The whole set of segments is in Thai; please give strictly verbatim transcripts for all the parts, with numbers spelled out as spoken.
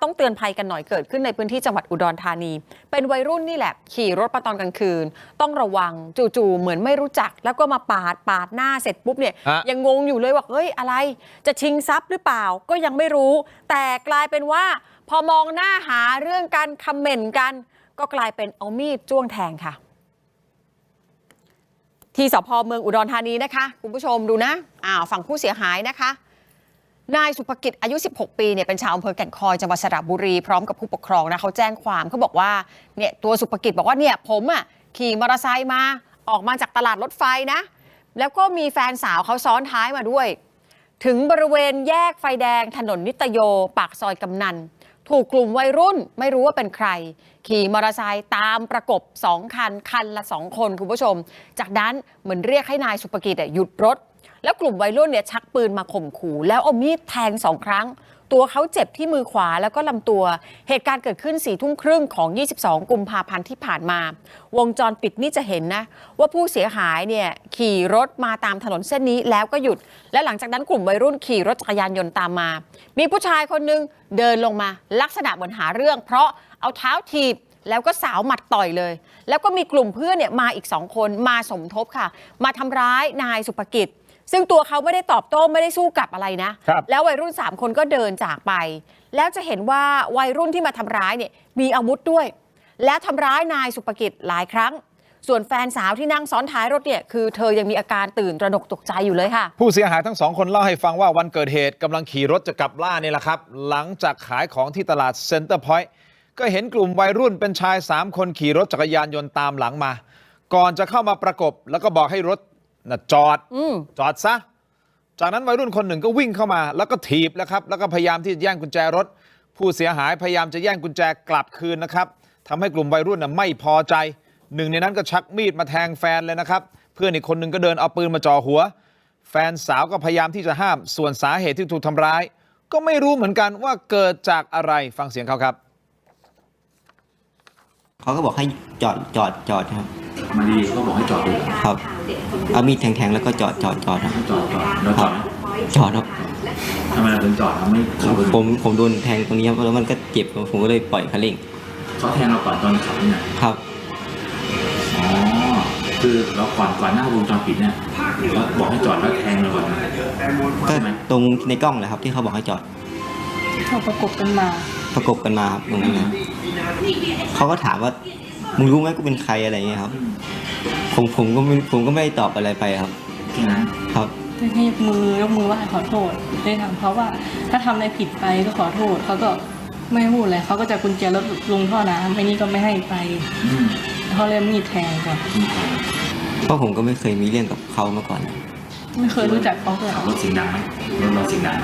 ต้องเตือนภัยกันหน่อยเกิดขึ้นในพื้นที่จังหวัดอุดรธานีเป็นวัยรุ่นนี่แหละขี่รถมาตอนกลางคืนต้องระวังจู่ๆเหมือนไม่รู้จักแล้วก็มาปาดปาดหน้าเสร็จปุ๊บเนี่ยยังงงอยู่เลยว่าเฮ้ยอะไรจะชิงทรัพย์หรือเปล่าก็ยังไม่รู้แต่กลายเป็นว่าพอมองหน้าหาเรื่องการคอมเมนต์กันก็กลายเป็นเอามีดจ้วงแทงค่ะที่สภ.เมืองอุดรธานีนะคะคุณผู้ชมดูนะอ้าวฝั่งผู้เสียหายนะคะนายสุภกิจอายุสิบหกปีเนี่ยเป็นชาวอำเภอแก่งคอยจังหวัดสระบุรีพร้อมกับผู้ปกครองนะเขาแจ้งความเขาบอกว่าเนี่ยตัวสุภกิจบอกว่าเนี่ยผมอ่ะขี่มอเตอร์ไซค์มาออกมาจากตลาดรถไฟนะแล้วก็มีแฟนสาวเขาซ้อนท้ายมาด้วยถึงบริเวณแยกไฟแดงถนนนิตโยปากซอยกำนันถูกกลุ่มวัยรุ่นไม่รู้ว่าเป็นใครขี่มอเตอร์ไซค์ตามประกบสองคันคันละสองคนคุณผู้ชมจากนั้นเหมือนเรียกให้นายสุภกิจหยุดรถแล้วกลุ่มวัยรุ่นเนี่ยชักปืนมาข่มขู่แล้วเอามีดแทงสองครั้งตัวเขาเจ็บที่มือขวาแล้วก็ลำตัวเหตุการณ์เกิดขึ้นสี่ทุ่มครึ่งของยี่สิบสองกุมภาพันธ์ที่ผ่านมาวงจรปิดนี่จะเห็นนะว่าผู้เสียหายเนี่ยขี่รถมาตามถนนเส้นนี้แล้วก็หยุดและหลังจากนั้นกลุ่มวัยรุ่นขี่รถจักรยานยนต์ตามมามีผู้ชายคนนึงเดินลงมาลักษณะเหมือนหาเรื่องเพราะเอาเท้าถีบแล้วก็สาวหมัดต่อยเลยแล้วก็มีกลุ่มเพื่อนเนี่ยมาอีกสองคนมาสมทบค่ะมาทำร้ายนายสุภกิจซึ่งตัวเขาไม่ได้ตอบโต้ไม่ได้สู้กลับอะไรนะแล้ววัยรุ่นสามคนก็เดินจากไปแล้วจะเห็นว่าวัยรุ่นที่มาทำร้ายเนี่ยมีอาวุธด้วยและทำร้ายนายสุภกิจหลายครั้งส่วนแฟนสาวที่นั่งซ้อนท้ายรถเนี่ยคือเธอยังมีอาการตื่นตระหนกตกใจอยู่เลยค่ะผู้เสียหายทั้งสองคนเล่าให้ฟังว่าวันเกิดเหตุกำลังขี่รถจะกลับบ้านนี่แหละครับหลังจากขายของที่ตลาดเซ็นเตอร์พอยต์ก็เห็นกลุ่มวัยรุ่นเป็นชายสามคนขี่รถจักรยานยนต์ตามหลังมาก่อนจะเข้ามาประกบแล้วก็บอกให้รถน่ะจอดจอดซะจากนั้นวัยรุ่นคนหนึ่งก็วิ่งเข้ามาแล้วก็ถีบแล้วครับแล้วก็พยายามที่จะแย่งกุญแจรถผู้เสียหายพยายามจะแย่งกุญแจกลับคืนนะครับทำให้กลุ่มวัยรุ่นน่ะไม่พอใจหนึ่งในนั้นก็ชักมีดมาแทงแฟนเลยนะครับเพื่อนอีกคนหนึ่งก็เดินเอาปืนมาจ่อหัวแฟนสาวก็พยายามที่จะห้ามส่วนสาเหตุที่ถูกทำร้ายก็ไม่รู้เหมือนกันว่าเกิดจากอะไรฟังเสียงเขาครับเขาก็บอกให้จอดจอดจอดครับมาดีก็บอกให้จอดดูครับเอามีดแทงๆแล้วก็จอดจอดจอดครับจอดจอดแล้วจอดจอดครับทำไมเราถึงจอดเราไม่ผมผมโดนแทงตรงนี้ครับแล้วมันก็เจ็บผมก็เลยปล่อยคันเร่งเขาแทงเราก่อนตอนขับนี่ครับอ๋อคือเราก่อนก่อนหน้าวงจรปิดเนี่ยเขาบอกให้จอดแล้วแทงเราก่อนก็ตรงในกล้องแหละครับที่เขาบอกให้จอดเขาประกบกันมาประกบกันมาครับตรงนั้นนะเขาก็ถามว่ามึงรู้ไหมกูเป็นใครอะไรเงี้ยครับผมผมก็ไม่ผมก็ไม่ตอบอะไรไปครับแค่นั้นครับให้ยกมือยกมือไหว้ขอโทษได้ถามเขาว่าถ้าทำอะไรผิดไปก็ขอโทษเขาก็ไม่พูดเลยเขาก็จะกุญแจรถลงท่อน้ำไม่นี่ก็ไม่ให้ไปเขาเลยมีดแทงก่อนเพราะผมก็ไม่เคยมีเรื่องกับเขามาก่อนไม่เคยรู้จักเขาเลยรถเสียงดังไหมรถเราเสียงดังไหม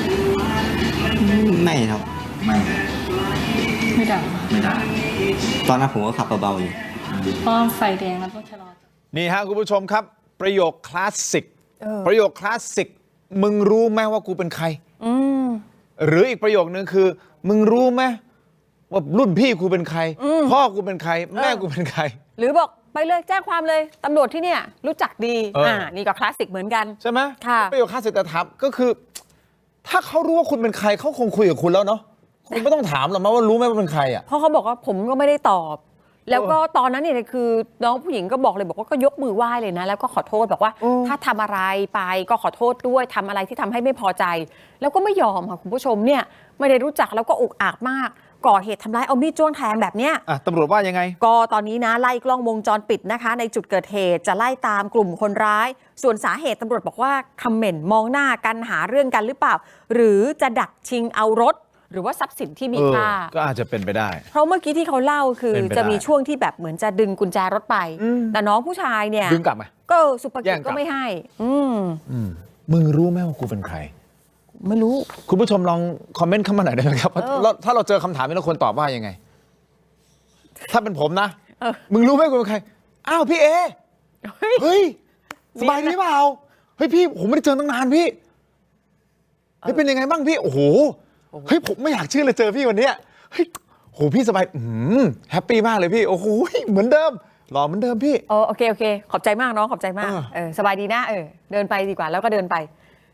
ไม่ครับไม่ไม่ดังไม่ดังตอนนั้นผมก็ขับเบาๆอยู่เพราะไฟแดงแล้วก็ชะลอนี่ฮะคุณผู้ชมครับประโยคคลาสสิกประโยคคลาสสิกมึงรู้ไหมว่ากูเป็นใครหรืออีกประโยคนึงคือมึงรู้ไหมว่ารุ่นพี่กูเป็นใครพ่อกูเป็นใครแม่กูเป็นใครหรือบอกไปเลยแจ้งความเลยตำรวจที่เนี่ยรู้จักดีอ่านี่ก็คลาสสิกเหมือนกันใช่ไหมค่ะประโยคคลาสสิกแต่ถามก็คือถ้าเขารู้ว่าคุณเป็นใครเขาคงคุยกับคุณแล้วเนาะคุณไม่ต้องถามหรอกมั้ยว่ารู้ไหมว่าเป็นใครอ่ะเพราะเขาบอกว่าผมก็ไม่ได้ตอบแล้วก็ตอนนั้นเนี่ยคือน้องผู้หญิงก็บอกเลยบอกว่าก็ยกมือไหว้เลยนะแล้วก็ขอโทษบอกว่าถ้าทำอะไรไปก็ขอโทษด้วยทำอะไรที่ทำให้ไม่พอใจแล้วก็ไม่ยอมค่ะคุณผู้ชมเนี่ยไม่ได้รู้จักแล้วก็อุกอาจมากก่อเหตุทำร้ายเอามีดจ้วงแทงแบบเนี้ยตำรวจว่ายังไงก็ตอนนี้นะไล่กล้องวงจรปิดนะคะในจุดเกิดเหตุจะไล่ตามกลุ่มคนร้ายส่วนสาเหตุตำรวจบอกว่าคอมเมนต์มองหน้ากันหาเรื่องกันหรือเปล่าหรือจะดักชิงเอารถหรือว่าทรัพย์สินที่มีค่าก็อาจจะเป็นไปได้เพราะเมื่อกี้ที่เขาเล่าคือจะมีช่วงที่แบบเหมือนจะดึงกุญแจรถไปแต่น้องผู้ชายเนี่ยดึงกลับไหมก็สุภกิจก็ไม่ให้อืมมึงรู้ไหมว่ากูเป็นใครไม่รู้คุณผู้ชมลองคอมเมนต์เข้ามาหน่อยได้ไหมครับถ้าเราเจอคำถามนี้เราควรตอบว่ายังไงถ้าเป็นผมนะมึงรู้ไหมกูเป็นใครอ้าวพี่เอเฮ้ยสบายดีเปล่าเฮ้ยพี่ผมไม่ได้เจอตั้งนานพี่เฮ้ยเป็นยังไงบ้างพี่โอ้โหเฮ้ยผมไม่อยากเชื่อเลยเจอพี่วันนี้เฮ้ยโหพี่สบายอืมแฮปปี้มากเลยพี่โอ้โหเหมือนเดิมหล่อเหมือนเดิมพี่โอเคโอเคขอบใจมากน้องขอบใจมากเออสบายดีนะเออเดินไปดีกว่าแล้วก็เดินไป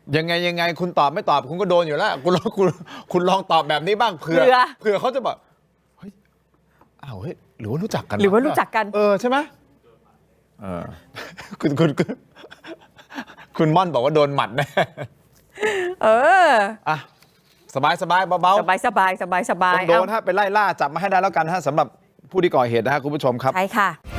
ยังไงยังไงคุณตอบไม่ตอบคุณก็โดนอยู่แล้วคุณลองคุณคุณลองตอบแบบนี้บ้างเผื่อเผื่อเผื่อเขาจะบอกเฮ้ยอ้าวเฮ้ยหรือว่ารู้จักกันหรือว่ารู้จักกันเออใช่ไหมเออ คุณคุณคุณคุณม่อนบอกว่าโดนหมัดแน่เอออ่ะสบายสบายเบาสบายสบายสบายสบายๆโดนฮะไปไล่ล่าจับมาให้ได้แล้วกันฮะสำหรับผู้ที่ก่อเหตุนะฮะคุณผู้ชมครับใช่ค่ะ